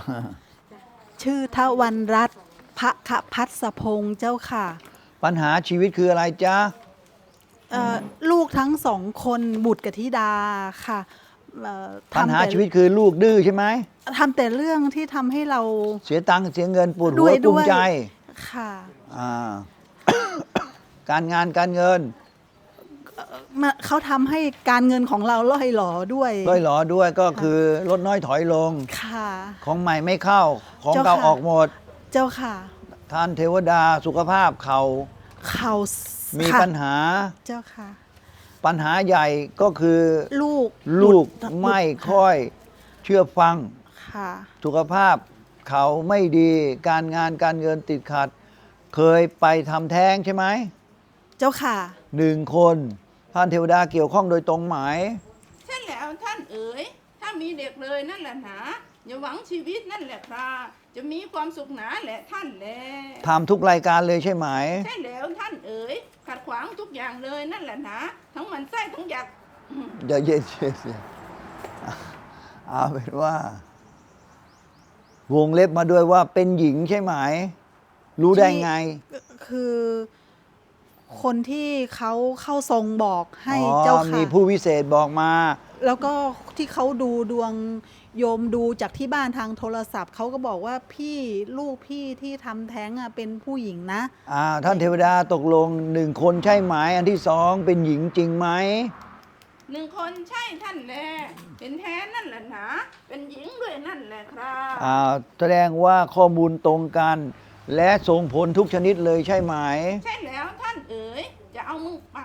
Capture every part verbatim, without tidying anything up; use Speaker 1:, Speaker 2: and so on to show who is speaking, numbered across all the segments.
Speaker 1: ชื่อทวันรัตน์พระคพัสพงษ์เจ้าค่ะ
Speaker 2: ปัญหาชีวิตคืออะไรจ๊ะ
Speaker 1: ลูกทั้งสองคนบุตรกับธิดาค่ะ
Speaker 2: ปัญหาชีวิตคือลูกดื้อใช่ไหม
Speaker 1: ทำแต่เรื่องที่ทำให้เรา
Speaker 2: เสียตังค์เสียเงินปวดหัวกุ้มใจ
Speaker 1: ค่ะ
Speaker 2: การงานการเงิน
Speaker 1: เขาทำให้การเงินของเราล่อยหลอด้วย
Speaker 2: ล่อยหลอด้วยก็คือลดน้อยถอยลง
Speaker 1: ค่ะ
Speaker 2: ของใหม่ไม่เข้าของเก่าออกหมด
Speaker 1: เจ้าค่ะ
Speaker 2: ท่านเทวดาสุขภาพเขา
Speaker 1: เขา
Speaker 2: มีปัญหา
Speaker 1: เจ้าค่ะ
Speaker 2: ปัญหาใหญ่ก็คือ
Speaker 1: ลูก
Speaker 2: ลูกไม่ค่อยเชื่อฟัง
Speaker 1: ค่ะ
Speaker 2: สุขภาพเขาไม่ดีการงานการเงินติดขัดเคยไปทำแท้งใช่ไหม
Speaker 1: เจ้าค่ะ
Speaker 2: หนึ่งคนท่านเทวดาเกี่ยวข้องโดยตรงไหม
Speaker 3: ใช่แล้วท่านเอ๋ยถ้ามีเด็กเลยนั่นแหละหนาอย่าหวังชีวิตนั่นแหละครับจะมีความสุขหนาแหละท่านแล
Speaker 2: ทำทุกรายการเลยใช่ไหม
Speaker 3: ใช่แล้วท่านเอ๋ยขัดขวางทุกอย่างเลยนั่นแหละหนาทั้งมันไส้ทั้งอยาก
Speaker 2: อย่าเย็นเย็นเอาเป็นว่า วงเล็บมาด้วยว่าเป็นหญิงใช่ไหมรู้ได้ไง
Speaker 1: คือคนที่เขาเข้าทรงบอกให้เจ้าค่ะ
Speaker 2: มีผู้วิเศษบอกมา
Speaker 1: แล้วก็ที่เขาดูดวงโยมดูจากที่บ้านทางโทรศัพท์เขาก็บอกว่าพี่ลูกพี่ที่ทำแท้งอ่ะเป็นผู้หญิงนะ
Speaker 2: อ่าท่านเทวดาตกลงหนึ่งคนใช่ไหมอันที่สองเป็นหญิงจริงไหม
Speaker 3: หนึ่งคนใช่ท่านแลเป็นแท้นั่นแหละนะเป็นหญิงด้วยนั่นแหละครับ
Speaker 2: อ่าแสดงว่าข้อมูลตรงกันและส่งผลทุกชนิดเลยใช่ไหม
Speaker 3: ใช่แล้วท่านเอ๋ยจะเอามือปัก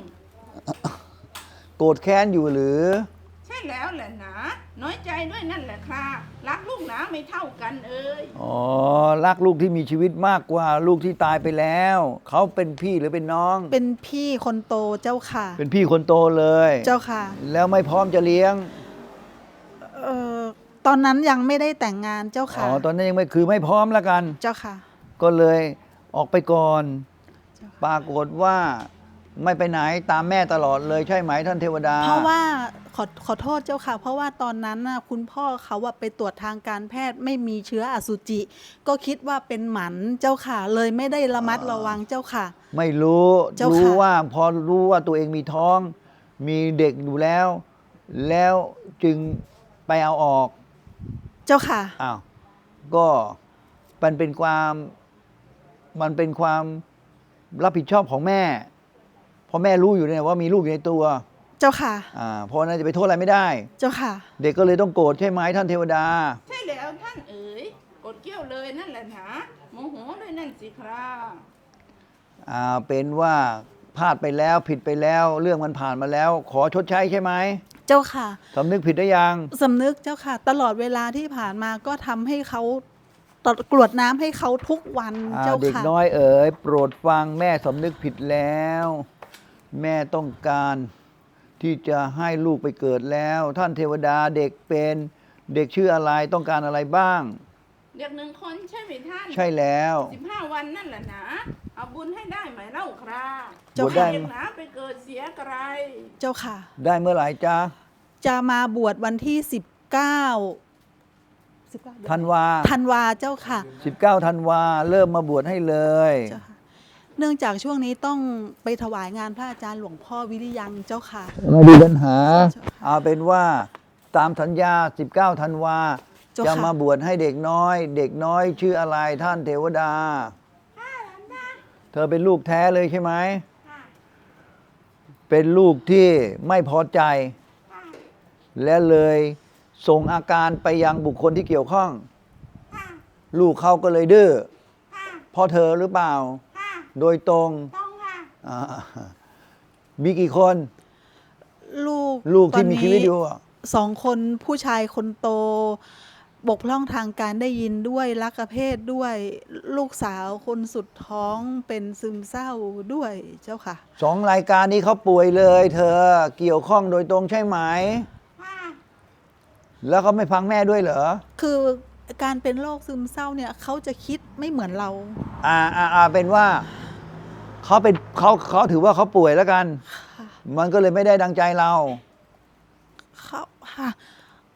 Speaker 2: โกรธแค้นอยู่หรือ
Speaker 3: ใช่แล้วแหละนะน้อยใจด้วยนั่นแหละครับรักลูกหนาไม่เท่ากันเอ๋ย
Speaker 2: อ๋อรักลูกที่มีชีวิตมากกว่าลูกที่ตายไปแล้วเขาเป็นพี่หรือเป็นน้อง
Speaker 1: เป็นพี่คนโตเจ้าค่ะ
Speaker 2: เป็นพี่คนโตเลย
Speaker 1: เจ้าค่ะ
Speaker 2: แล้วไม่พร้อมจะเลี้ยง
Speaker 1: เอ่อตอนนั้นยังไม่ได้แต่งงานเจ้าค่ะ
Speaker 2: อ๋อตอนนั้นยังไม่คือไม่พร้อมแล้วกัน
Speaker 1: เจ้าค่ะ
Speaker 2: ก็เลยออกไปก่อนปรากฏว่าไม่ไปไหนตามแม่ตลอดเลยใช่ไหมท่านเทวดา
Speaker 1: เพราะว่าขอขอโทษเจ้าค่ะเพราะว่าตอนนั้นน่ะคุณพ่อเขาว่าไปตรวจทางการแพทย์ไม่มีเชื้ออสุจิก็คิดว่าเป็นหมันเจ้าค่ะเลยไม่ได้ระมัดระวังเจ้าค่ะ
Speaker 2: ไม่รู้รู้ว่าพอรู้ว่าตัวเองมีท้องมีเด็กอยู่แล้วแล้วจึงไปเอาออก
Speaker 1: เจ้าค่ะ
Speaker 2: อ้าวก็มันเป็นความมันเป็นความรับผิดชอบของแม่เพราะแม่รู้อยู่เนี่ยว่ามีลูกอยู่ในตัว
Speaker 1: เจ้าค่ะ
Speaker 2: อ่าเพราะนั้นจะไปโทษอะไรไม่ได้
Speaker 1: เจ้าค่ะ
Speaker 2: เด็กก็เลยต้องโกรธใช่ไหมท่านเทวดา
Speaker 3: ใช่แล้วท่านเอ๋ยกดเกี้ยวเลยนั่นแหละนะโมโหด้วยนั่นสิครับ
Speaker 2: อ่าเป็นว่าพลาดไปแล้วผิดไปแล้วเรื่องมันผ่านมาแล้วขอชดใช้ใช่ไหม
Speaker 1: เจ้าค่ะ
Speaker 2: สำนึกผิดได้ยัง
Speaker 1: สำนึกเจ้าค่ะตลอดเวลาที่ผ่านมาก็ทำให้เขากรวดน้ำให้เขาทุกวันเจ้าค่ะ
Speaker 2: เด็กน้อยเอ๋ยโปรดฟังแม่สำนึกผิดแล้วแม่ต้องการที่จะให้ลูกไปเกิดแล้วท่านเทวดาเด็กเป็นเด็กชื่ออะไรต้องการอะไรบ้าง
Speaker 3: เด็กหนึ่งคนใช่ไหมท่าน
Speaker 2: ใช่แล้ว
Speaker 3: สิบห้าวันนั่นแหละนะเอาบุญให้ได้ไหมเล่าครับ
Speaker 2: เจ้าค่ะเด็
Speaker 3: กหนาไปเกิดเสียไกร
Speaker 1: เจ้าค่ะ
Speaker 2: ได้เมื่อไหร่จ๊ะ
Speaker 1: จะมาบวชวันที่สิบเก้า
Speaker 2: ธันวา
Speaker 1: ธันวาเจ้าค่ะ
Speaker 2: สิบเก้าธันวาเริ่มมาบวชให้เลย
Speaker 1: เนื่องจากช่วงนี้ต้องไปถวายงานพระอาจารย์หลวงพ่อวิริยังเจ้าค่ะ
Speaker 2: ไม่มีปัญหาเอาเป็นว่าตามสัญญาสิบเก้าธันวาจะมาบวชให้เด็กน้อยเด็กน้อยชื่ออะไรท่านเทวดาเธอเป็นลูกแท้เลยใช่ไหมเป็นลูกที่ไม่พอใจและเลยส่งอาการไปยังบุคคลที่เกี่ยวข้องลูกเขาก็เลยดื้อเพราะเธอหรือเปล่าโดยตรงมีกี่คน
Speaker 1: ลูก
Speaker 2: ลูกที่มีชีวิตอยู่
Speaker 1: สองคนผู้ชายคนโตบกพร่องทางการได้ยินด้วยลักเพศด้วยลูกสาวคนสุดท้องเป็นซึมเศร้าด้วยเจ้าค่ะ
Speaker 2: สองรายการนี้เขาป่วยเลยเธอเกี่ยวข้องโดยตรงใช่ไหมแล้วเขาไม่ฟังแม่ด้วยเหรอ
Speaker 1: คือการเป็นโรคซึมเศร้าเนี่ยเขาจะคิดไม่เหมือนเรา
Speaker 2: อ่าอ่าอ่าเป็นว่าเขาเป็นเขาเขาถือว่าเขาป่วยแล้วกันมันก็เลยไม่ได้ดังใจเรา
Speaker 1: เขาค่ะ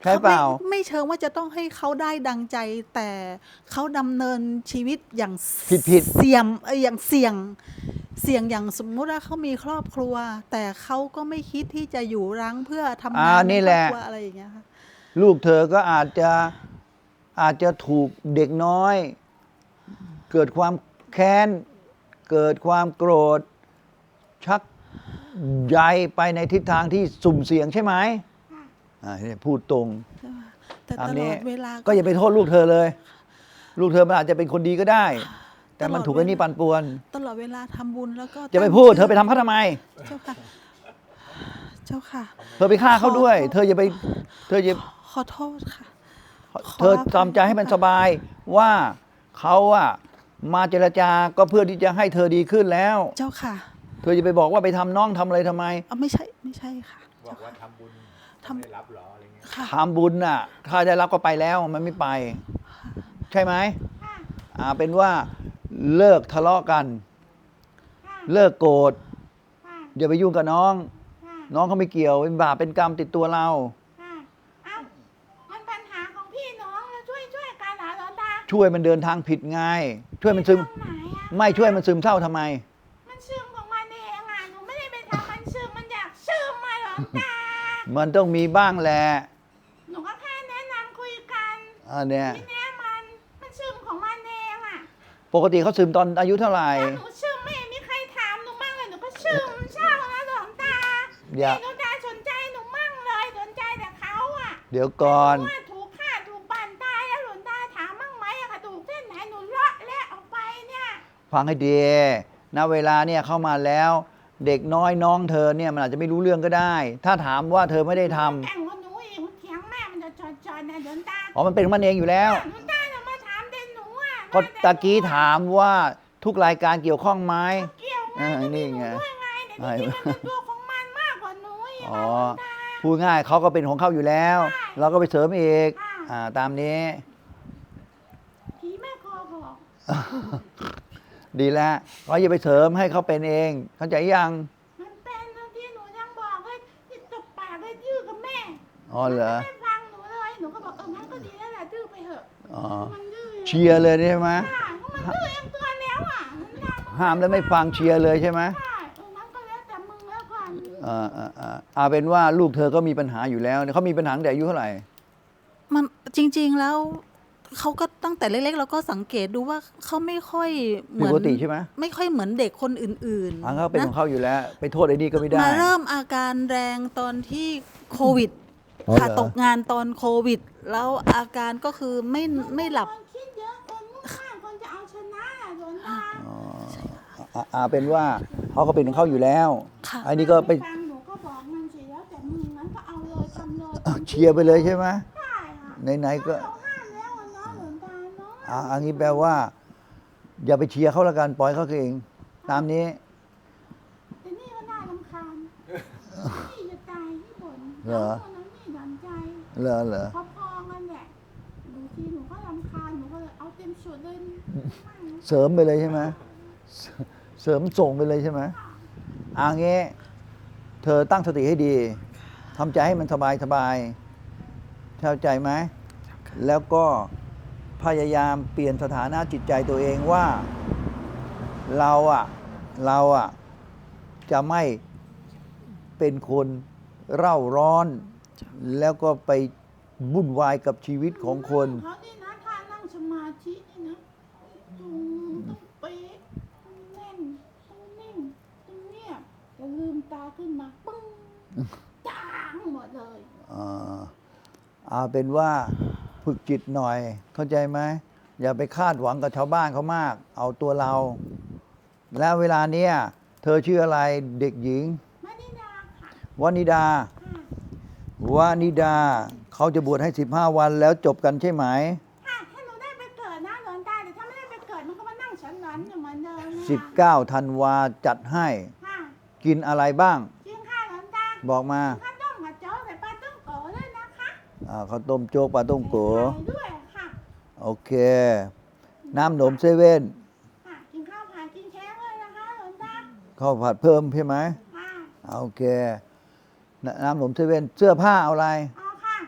Speaker 2: ใช่เปล่า
Speaker 1: ไม่ไม่เชิงว่าจะต้องให้เขาได้ดังใจ แต่เขาดำเนินชีวิตอย่าง
Speaker 2: ผิดผิด
Speaker 1: เสี่ยมเอ่ออย่างเสี่ยงเสี่ยงอย่างสมมุติว่าเขามีครอบครัว แต่เขาก็ไม่คิดที่จะอยู่รั้งเพื่อทำาน
Speaker 2: อ่างนี่
Speaker 1: ใน
Speaker 2: แห
Speaker 1: ครอบ
Speaker 2: ละ
Speaker 1: ครัวอะไรอย่างเงี้ยค่ะ
Speaker 2: ลูกเธอก็อาจจะอาจจะถูกเด็กน้อย เกิดความแค้น เกิดความโกรธ ชักใยไปในทิศทางที่สุ่มเสี่ยงใช่ไหมอ่าเนี่ยพูดตรง
Speaker 1: แต่
Speaker 2: ตาม
Speaker 1: ตล
Speaker 2: นี้
Speaker 1: อดเวลา
Speaker 2: ก็อย่าไปโทษลูกเธอเลย ลูกเธอมันอาจจะเป็นคนดีก็ได้ แต่มัน
Speaker 1: ตลอด
Speaker 2: ถูกไอ้นี่
Speaker 1: เวลา
Speaker 2: ปั่นป่วน
Speaker 1: ตลอดเวลาทำบุญแล้วก็
Speaker 2: จะไป
Speaker 1: ตั้ง
Speaker 2: พูด
Speaker 1: ชื่
Speaker 2: เธอไปทำเขาทำไม
Speaker 1: เจ้าค่ะ เจ้าค่ะ
Speaker 2: เธอไปฆ่าเขาด้วย
Speaker 1: ขอ
Speaker 2: เธออย่าไป เธออย่า
Speaker 1: ขอโทษค่ะ ขอ
Speaker 2: เธอทำใจให้มันสบายว่าเขาอะมาเจรจาก็เพื่อที่จะให้เธอดีขึ้นแล้ว
Speaker 1: เจ้าค่ะ
Speaker 2: เธอจะไปบอกว่าไปทำน้องทำอะไรทำไม
Speaker 1: เอาไม่ใช่ไม่ใช่ค่ะ
Speaker 4: บอกว่าทำบุญ
Speaker 1: ทำ
Speaker 4: ไม่ได้รับเหรออะไรเงี้ย
Speaker 1: ค่ะ
Speaker 2: ทำบุญน่ะ ถ้าได้รับก็ไปแล้วมันไม่ไป ใช่ไหมอ่าเป็นว่าเลิกทะเลาะกัน เลิกโกรธอย่าไปยุ่งกับน้อง น้องเขาไม่เกี่ยวเป็นบาปเป็นกรรมติดตัวเรา
Speaker 3: ค่ะเอ้ามันปัญหาของพี่น้องแล้วช่วยช่วยกันเหรอหลวงตา
Speaker 2: ช่วยมันเดินทางผิดไง ช่วยมันซึม
Speaker 3: ตรงไหนอะ
Speaker 2: ไม่ช่วยมันซึมเศร้าทำไม
Speaker 3: มันซึมของมันเองอ่ะหนูไม่ได้ไปทำมันซึมมันอยากซึมมาหลวงตา
Speaker 2: มันต้องมีบ้างแหละ
Speaker 3: หนูก็แค่แนะนำคุยกัน
Speaker 2: อันเนี้ย
Speaker 3: ทีเนี้ยมันมันซึมของมันเองอ่ะ
Speaker 2: ปกติเขาซึมตอนอายุเท่าไหร่
Speaker 3: แล้วหนูซึมไม่เห็นมีใครถามหนูมั่งเลยหนูก็ซึมเศร้านะหลวงตา
Speaker 2: อย่า
Speaker 3: หลวงตาสนใจหนูมั่งเลยสนใจแต่เขาอ่ะ
Speaker 2: เดี๋ยวก่อน
Speaker 3: ว่าถูกฆ่าถูกปั่นตายแล้วหลวงตาถามมั่งไหมอะกระดูกเส้นไหนหนูเลาะและออกไปเนี่ย
Speaker 2: ฟังให้ดีณเวลาเนี่ยเข้ามาแล้ว เด็กน้อยน้องเธอเนี่ยมันอาจจะไม่รู้เรื่องก็ได้ ถ้าถามว่าเธอไม่ได้ทำ
Speaker 3: แต่งกับหนูอีกมันเถียงแม่มันจะจอดๆนะหลวงตา
Speaker 2: อ๋อมันเป็นของมันเองอยู่แล้ว
Speaker 3: หลวงตาจะมาถามเด่นหนูอ่ะ
Speaker 2: ก็ตะกี้ถามว่าทุกรายการเกี่ยวข้องไหม
Speaker 3: เกี่ยวไง
Speaker 2: เออ
Speaker 3: ก็มี
Speaker 2: นี่
Speaker 3: หนู
Speaker 2: ไง
Speaker 3: ด้วยไงแต่จริงๆมันเป็นตัวของมันมากกว่าหนูอีก
Speaker 2: อ๋อ
Speaker 3: อะหลวงตา
Speaker 2: พูดง่ายเขาก็เป็นของเขาอยู่แล้ว เราก็ไปเสริมอีก
Speaker 3: ค่ะ
Speaker 2: อ่าตามนี้
Speaker 3: ผีแม่คอบอก
Speaker 2: ดีแล้วเราอย่าไปเสริมให้เขาเป็นเอง เข้าใจยัง
Speaker 3: มันเป็นบางทีหนูยังบอกเลยที่ตบปากเลยดื้อกับแม่
Speaker 2: อ๋อเหรอ
Speaker 3: มันไม่ฟังหนูเลยหนูก็บอกเอองั้นก็ดีแล้วแหละดื้อไปเถอะ
Speaker 2: อ๋อ
Speaker 3: มันดื้อ
Speaker 2: เชียร์เลยใช่ไหม
Speaker 3: ใช่เพราะมันดื้อเองตัวแล้วอ่ะมันทำ
Speaker 2: ห้ามแล้วไม่ฟังเชียร์เลยใช่ไหม
Speaker 3: ใช่เอองั้นก็แล้วแต่มึงแล้วกัน
Speaker 2: อ่าอ่าอ่าเอาเป็นว่าลูกเธอก็มีปัญหาอยู่แล้วเขามีปัญหาตั้งแต่อายุเท่าไหร่
Speaker 1: มันจริง ๆแล้วเขาก็ตั้งแต่เล็กๆเราก็สังเกตดูว่าเขาไม่ค่อยเหมือน
Speaker 2: ปกติใช่ไหม
Speaker 1: ไม่ค่อยเหมือนเด็กคนอื่น
Speaker 2: อ่าเขาเป็น
Speaker 1: นะ
Speaker 2: ของเขาอยู่แล้ว ไปโทษไอ้นี่ก็ไม่ได้
Speaker 1: มาเริ่มอาการแรงตอนที่โควิด
Speaker 2: อ๋อเหรอ
Speaker 1: ค่ะตกงานตอนโควิด แล้วอาการก็คือไม่ไม่หลับ
Speaker 3: คนคิดเยอะคนมุ่งมั่นคนจะเอาชนะอะหลวงตา
Speaker 2: อ๋ออ่าอ่าเป็นว่าเขาก็เป็นของเขาอยู่แล้ว
Speaker 1: ค่ะ
Speaker 2: ไอ้นี่ก็ไป
Speaker 3: ฟังหนูก็บอกมันสิแล้วแต่มึงงั้นก็เอาเลยทำเลย
Speaker 2: อ่ะเชียร์ไปเลยใช่ไหม
Speaker 3: ได้ค่ะ
Speaker 2: ไหนๆก็
Speaker 3: เราห้ามแล้วอะเนาะหลวงตาเนาะ
Speaker 2: อ่าอันนี้แปลว่า อย่าไปเชียร์เขาละกันปล่อยเขาเอง ตามนี้
Speaker 3: แต่นี่ก็น่ารำคาญนี่จะตายที่บ่น
Speaker 2: เหรอ
Speaker 3: คนนั้นนี่ดันใจ
Speaker 2: เหรอเหรอ
Speaker 3: พอๆกันแหละบางทีหนูก็รำคาญหนูก็เลยเอาเต็มสุดเลยมั่ง
Speaker 2: เสริมไปเลยใช่ไหมเสเสริมส่งไปเลยใช่ไหมอ่างี้เธอตั้งสติให้ดีทำใจให้มันสบายสบายเข้าใจไหมแล้วก็พยายามเปลี่ยนสถานะจิตใจตัวเองว่า เราอะเราอะจะไม่เป็นคนเร่าร้อน แล้วก็ไปวุ่นวายกับชีวิตของคน
Speaker 3: เขานี่นะท่านั่งสมาธินี่นะตรงต้องเป๊ะต้องแน่นต้องนิ่งต้องเงียบแต่ลืมตาขึ้นมาปึ้งจางหมดเลย
Speaker 2: อ่าเอาเป็นว่าฝึกจิตหน่อย เข้าใจไหมอย่าไปคาดหวังกับชาวบ้านเขามาก เอาตัวเรา แล้วเวลาเนี้ยเธอชื่ออะไรเด็กหญิง
Speaker 3: ไม่ได้ดาค่ะ
Speaker 2: วนิดา
Speaker 3: ค่ะ
Speaker 2: วนิดาเขาจะบวชให้สิบห้าวันแล้วจบกันใช่ไหม
Speaker 3: ค่ะถ้าหนูได้ไปเกิดนะหลวงตาแต่ถ้าไม่ได้ไปเกิดมันก็มานั่งฉันหลอนอยู่เหมือนเดิมนะ
Speaker 2: สิบเก้าธันวาจัดให้
Speaker 3: ค่ะ
Speaker 2: กินอะไรบ้าง
Speaker 3: จริงค่ะหลวงตา
Speaker 2: บอกมา
Speaker 3: ข้าวต้มกับโจ๊กใส่ปลาต้มโกด้วยนะคะ
Speaker 2: อ่าข้าวต้มโจ๊กปลาต้มโก
Speaker 3: ใส่ไข่ด้วยค่ะ
Speaker 2: โอเค น้ำหนมเซเว่น
Speaker 3: ค่ะกินข้าวผัดกินเค้กเลยนะคะหลวงตา
Speaker 2: ข้าวผัดเพิ่มใช่ไหม
Speaker 3: ค่ะ
Speaker 2: โอเค น้ำหนมเซเว่นเสื้อผ้าเอาอะไร
Speaker 3: เอาค่ะ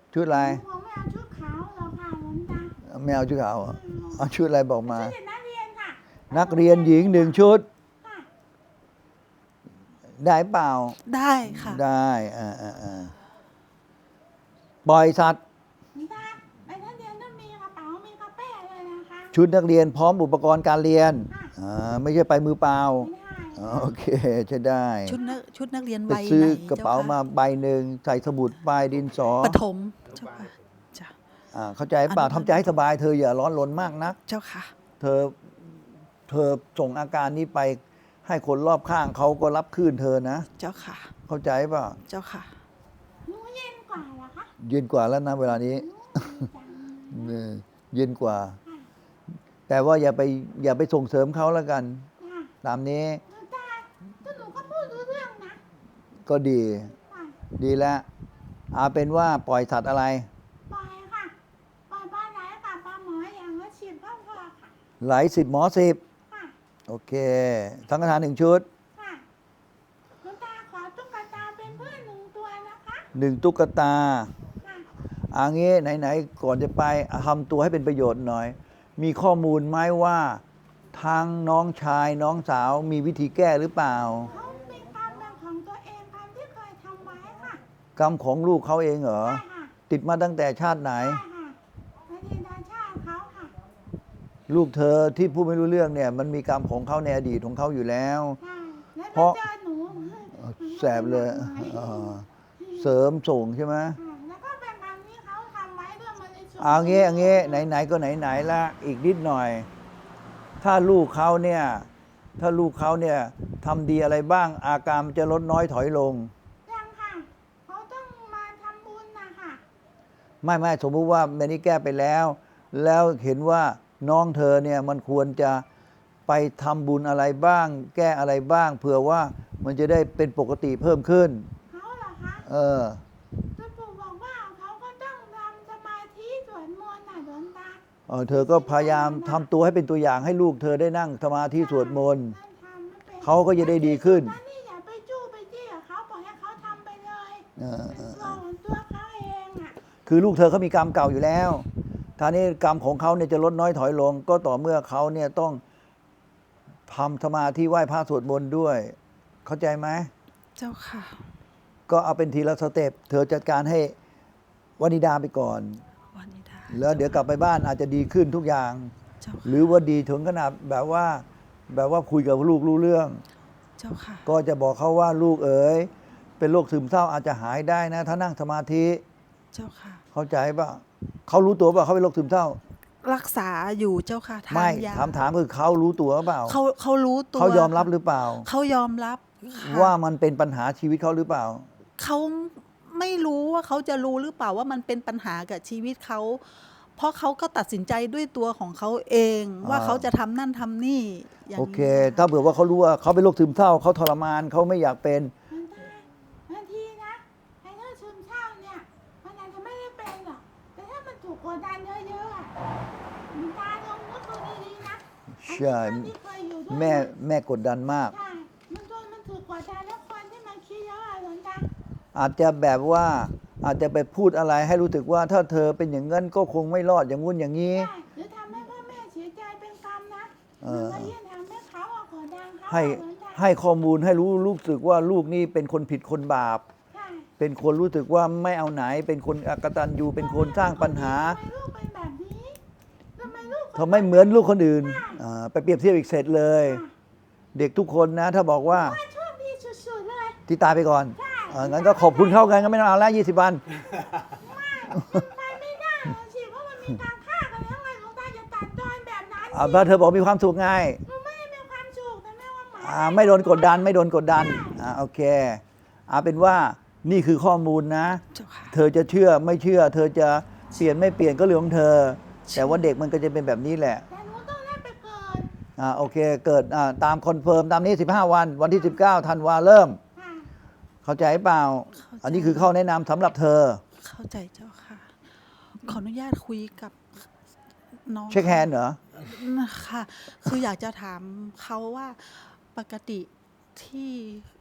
Speaker 2: ชุดอะไร
Speaker 3: หนูคงไม่เอาชุดขาวหรอกค่ะหลวงตา
Speaker 2: ไม่เอาชุดขาวเหรอเอาชุดอะไรบอกมา
Speaker 3: ชุดเด็กนักเรียนค่ะ
Speaker 2: นักเรียนหญิงหนึ่งชุด
Speaker 3: ค่ะ
Speaker 2: ได้เปล่า
Speaker 1: ได้ค่ะ
Speaker 2: ได้อ่าอ่าอ่าปล่อยสัตว์
Speaker 3: หลวงตาไปนักเรียนต้องมีกระเป๋ามีกระเป๋เลยนะคะ
Speaker 2: ชุดนักเรียนพร้อมอุปกรณ์การเรียน
Speaker 3: ค่ะ
Speaker 2: อ่าไม่ใช่ไปมือเปล่า
Speaker 3: ไม่ได้
Speaker 2: อ๋อโอเคใช่ได้
Speaker 1: ชุดนักชุดนักเรียน
Speaker 2: ไป
Speaker 1: ใบ
Speaker 2: ซื้อ
Speaker 1: ไหน
Speaker 2: กระเป๋า
Speaker 1: จ้ค่
Speaker 2: มาใบหนึ่งใส่สมุดปลายดินสอ
Speaker 1: ปฐมเจ้าค่ะจ้ะ
Speaker 2: อ่าเข้าใจเปล่า
Speaker 1: อนุบาล
Speaker 2: ทำใจให้สบายเธออย่าร้อนรนมากนัก
Speaker 1: เจ้าค่ะ
Speaker 2: เธอเธอส่งอาการนี้ไปให้คนรอบข้างเขาก็รับคลื่นเธอนะ
Speaker 1: เจ้าค่ะ
Speaker 2: เข้าใจเปล่า
Speaker 1: เจ้าค่ะ
Speaker 3: หนูเย็นกว่าเหรอคะ
Speaker 2: เย็นกว่าแล้วนะเวลานี้
Speaker 3: จัง
Speaker 2: เออเย็นกว่า แต่ว่าอย่าไปอย่าไปส่งเสริมเขาแล้วกัน
Speaker 3: ค่ะ
Speaker 2: ตามนี้
Speaker 3: หลวงตาก็หนูก็พูดรู้เรื่องนะ
Speaker 2: ก็ดี
Speaker 3: ค่ะ
Speaker 2: ดีแล้วเอาเป็นว่าปล่อยสัตว์อะไร
Speaker 3: ปล่อยค่ะปล่อยปลาไหลกับปลาหมออย่างละสิบก็พอค่ะ
Speaker 2: ไหลสิบหมอสิบ
Speaker 3: ค่ะ
Speaker 2: โอเคทั้งกระทานหนึ่งชุด
Speaker 3: ค่ะหลวงตาขอตุ๊กตาเป็นเพื่อนหนึ่งตัวนะคะ
Speaker 2: หนึ่งตุ๊กตา
Speaker 3: ค่ะ
Speaker 2: อันนี้ไหนๆก่อนจะไปทำตัวให้เป็นประโยชน์หน่อย มีข้อมูลไหมว่าทางน้องชายน้องสาวมีวิธีแก้หรือเปล่า
Speaker 3: เขามีกรรมเป็นของตัวเองกรรมที่เคยทำไว้ค่ะ
Speaker 2: กรรมของลูกเขาเองเหรอ
Speaker 3: ใช่ค่ะ
Speaker 2: ติดมาตั้งแต่ชาติไหน
Speaker 3: ใช่ค่ะอดีตชาติเขาค่ะ
Speaker 2: ลูกเธอที่พูดไม่รู้เรื่องเนี่ยมันมีกรรมของเขาในอดีตของเขาอยู่แล้ว
Speaker 3: ใช่แล้ว
Speaker 2: เพราะ
Speaker 3: ไปเจอหนู
Speaker 2: แสบเลยอ่าเสริมส่งใช่ไหม
Speaker 3: ค่ะแล้วก็เป็นกรรมที่เขาทำไว้เพื่อมาในส่วน
Speaker 2: เอางี้เอางี้ไหนๆก็ไหนๆละอีกนิดหน่อย ถ้าลูกเขาเนี่ยถ้าลูกเขาเนี่ยทำดีอะไรบ้างอาการมันจะลดน้อยถอยลง
Speaker 3: ยังค่ะเขาต้องมาทำบุญนะคะ
Speaker 2: ไม่ไม่สมมุติว่าแม่นี้แก้ไปแล้ว แล้วเห็นว่าน้องเธอเนี่ยมันควรจะไปทำบุญอะไรบ้าง แก้อะไรบ้าง เผื่อว่ามันจะได้เป็นปกติเพิ่มขึ้น
Speaker 3: เขาเหรอคะ
Speaker 2: เออ
Speaker 3: ท่านปู่บอกว่าเขาก็ต้องทำสมาธิสวดมนต์น่ะหลวงตา
Speaker 2: เออเธอก็พยายามทำตัวให้เป็นตัวอย่างให้ลูกเธอได้นั่งสมาธิสวดมนต์
Speaker 3: ท่านทำไม่เป็น
Speaker 2: เขาก็จะได้ดีขึ้น
Speaker 3: ท่านนี่อย่าไปจู้ไปจี้กับเขาปล่อยให้เขาทำไปเลย
Speaker 2: เออเอ
Speaker 3: เป็น
Speaker 2: อ
Speaker 3: ตัวของตัวเขาเองอ่ะ
Speaker 2: คือลูกเธอเขามีกรรมเก่าอยู่แล้วท่านี้กรรมของเขาเนี่ยจะลดน้อยถอยลง ก็ต่อเมื่อเขาเนี่ยต้องทำสมาธิไหว้พระสวดมนต์ด้วย เข้าใจไหม
Speaker 1: เจ้าค่ะ
Speaker 2: ก็เอาเป็นทีละสเต็ปเธอจัดการให้วนิดาไปก่อน
Speaker 1: วันนี้ได้
Speaker 2: แล้วเดี๋ยวกลับไปบ้านอาจจะดีขึ้นทุกอย่าง
Speaker 1: เจ้า
Speaker 2: ห
Speaker 1: ค่ะ
Speaker 2: รือว่าดีถึงขนาดแบบว่า แบบว่าคุยกับลูกรู้เรื่อง
Speaker 1: เจ้าค่ะ
Speaker 2: ก็จะบอกเขาว่าลูกเอ๋ยเป็นโรคซึมเศร้าอาจจะหายได้นะ ถ้านั่งสมาธิ
Speaker 1: เจ้าค่ะ
Speaker 2: เข้าใจป่ะเขารู้ตัวป่ะเขาเป็นโรคซึมเศร้า
Speaker 1: รักษาอยู่เจ้าค่ะทา
Speaker 2: ไม่
Speaker 1: นยา
Speaker 2: ถามถามคือเขารู้ตัวหรือเปล่า
Speaker 1: เขาเขารู้ตัว
Speaker 2: เขายอมรับหรือเปล่า
Speaker 1: เขายอมรับค่ะ
Speaker 2: ว่ามันเป็นปัญหาชีวิตเขาหรือเปล่า
Speaker 1: เขาไม่รู้ว่าเขาจะรู้หรือเปล่าว่ามันเป็นปัญหากับชีวิตเขา เพราะเขาก็ตัดสินใจด้วยตัวของเขาเอง ว่า
Speaker 2: อ่า
Speaker 1: เขาจะทำนั่นทำนี่อย่าง
Speaker 2: โอเค
Speaker 1: นี้
Speaker 2: ถ้าเผื่อว่าเขารู้ว่าเขาเป็นโรคซึมเศร้าเขาทรมานเขาไม่อยากเป็น
Speaker 3: หลวงตาบางทีนะไอ้เรื่องซึมเศร้าเนี่ยมันอาจจะไม่ได้เป็นหรอกแต่ถ้ามันถูกกดดันเยอะๆอะหลวงตาลองนึกดูดีๆนะ
Speaker 2: ใช่
Speaker 3: อันนี้ที่เคยอยู่ด้วย
Speaker 2: แม่แม่กดดันมาก
Speaker 3: ใช่มันโดนมันถูกกดดันแล้วคนที่มันคิดเยอะอะหลวงตา
Speaker 2: อาจจะแบบว่าอาจจะไปพูดอะไรให้รู้สึกว่าถ้าเธอเป็นอย่างนั้นก็คงไม่รอดอย่างงู้นอย่างนี้
Speaker 3: ใช่หรือทำให้พ่อแม่เสียใจเป็นกรรมนะ
Speaker 2: เอ
Speaker 3: มัน
Speaker 2: อ
Speaker 3: ก็ยิ่งทำให้เขาอะกดดันเขา
Speaker 2: ให้
Speaker 3: อะหลวงตา
Speaker 2: ให้ข้อมูลให้รู้รู้สึกว่าลูกนี่เป็นคนผิดคนบาป
Speaker 3: ใช่
Speaker 2: เป็นคนรู้สึกว่าไม่เอาไหน เป็นคนอกตัญญูเป็นคนสร้างปัญหา
Speaker 3: ทำไมลูกเป็นแบบนี้ทำไมลูก
Speaker 2: เธอไม่เหมือนลูกคนอื่นอ่าไปเปรียบเทียบอีกเสร็จเลย เด็กทุกคนนะ ถ้าบอกว่า
Speaker 3: ว่าโชคดีสุดๆเลย
Speaker 2: ที่ตายไปก่อน
Speaker 3: ใช่
Speaker 2: เอองั้นก็ขอบคุณเข้ากันก็ไม่ต้องเอาแล้วยี่สิบวัน
Speaker 3: ไปไม่ได้เลยสิเพราะมันมีการฆ่ากันแล้วไงหลวงตาจะตัดตอนแบบนั้น
Speaker 2: อ่าเพราะเธอบอกมีความสุขไง
Speaker 3: หนูไม่ได้มีความสุขแต่แม่ว่าหมา
Speaker 2: อ่าไม่โดนกดดันไม่โดนกดดันอ่าโอเคเอาเป็นว่านี่คือข้อมูลนะ
Speaker 1: เจ้าค่ะ
Speaker 2: เธอจะเชื่อไม่เชื่อ เธอจะเปลี่ยนไม่เปลี่ยนก็เรื่องของเธอ แต่ว่าเด็กมันก็จะเป็นแบบนี้แหละ
Speaker 3: แต่หนูต้องได้ไปเกิด
Speaker 2: อ่าโอเค เกิดอ่าตามคอนเฟิร์มตามนี้สิบห้าวัน วันที่สิบเก้าธันวาเริ่ม
Speaker 3: ค่ะ
Speaker 2: เข้าใจเปล่า
Speaker 1: เข้าใจ
Speaker 2: อันนี้คือข้อแนะนำสำหรับเธอ
Speaker 1: เข้าใจเจ้าค่ะ ขออนุญาตคุยกับน้อง
Speaker 2: เช็คแฮนด์เหรอ
Speaker 1: นะคะคืออยากจะถามเขาว่าปกติที่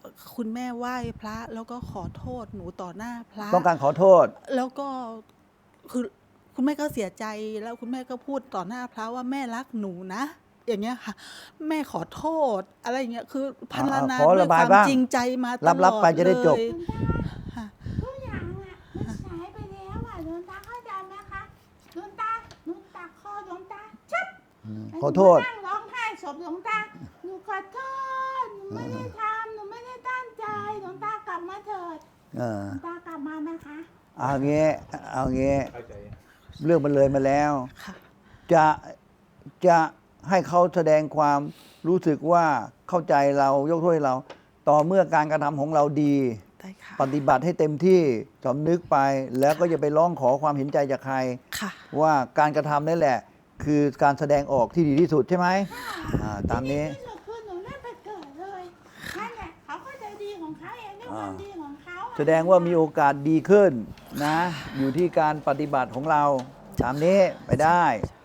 Speaker 1: คุณแม่ไหว้พระแล้วก็ขอโทษหนูต่อหน้าพระ
Speaker 2: ต้องการขอโทษ
Speaker 1: แล้วก็คือคุณแม่ก็เสียใจแล้วคุณแม่ก็พูดต่อหน้าพระว่าแม่รักหนูนะ อย่างเงี้ยค่ะ แม่ขอโทษอะไรอย่างเงี้ยคือพรรณนา
Speaker 2: ขอ
Speaker 1: ด้ว
Speaker 2: ระ
Speaker 1: ย
Speaker 2: บาย
Speaker 1: ความ
Speaker 2: บ้าง
Speaker 1: จริงใจมาตลอด
Speaker 2: รับๆไปจะได้จบ
Speaker 1: เลย
Speaker 3: หลวงตา
Speaker 1: ค่ะ
Speaker 3: ทุกอย่างอ่ะมันสายไปแล้วอ่ะหลวงตาเข้าใจไหมคะหลวงตาหนูตักคอหลวงตาชับ
Speaker 2: ขอโทษ
Speaker 3: หนูนั่งร้องไห้ศพหลวงตาหนูขอโทษหนูไม่ได้ทำหนูไม่ได้ตั้งใจหลวงตากลับมาเถิด
Speaker 2: เออ
Speaker 3: หลวงตากลับมาไหมคะ
Speaker 2: เอางี้เอางี้เรื่องมันเลยมาแล้ว
Speaker 1: ค่ะ
Speaker 2: จะจะให้เขาแสดงความรู้สึกว่าเข้าใจเรายกโทษให้เรา ต่อเมื่อการกระทำของเราดี
Speaker 1: ได้ค่ะ
Speaker 2: ปฏิบัติให้เต็มที่สำนึกไป แล้วก็อย่าไปร้องขอความเห็นใจจากใคร
Speaker 1: ค่ะ
Speaker 2: ว่าการกระทำนั่นแหละ คือการแสดงออกที่ดีที่สุดใช่ไหมอ่าตามนี้
Speaker 3: ที่สุดคือหนูได้ไปเกิดเลยนั่นแหละเขาก็จะดีของเขาเองด้วยความดีของเขาอะ
Speaker 2: แสดงว่ามีโอกาสดีขึ้นนะ อยู่ที่การปฏิบัติของเราตามนี้ไปได้
Speaker 1: ใช่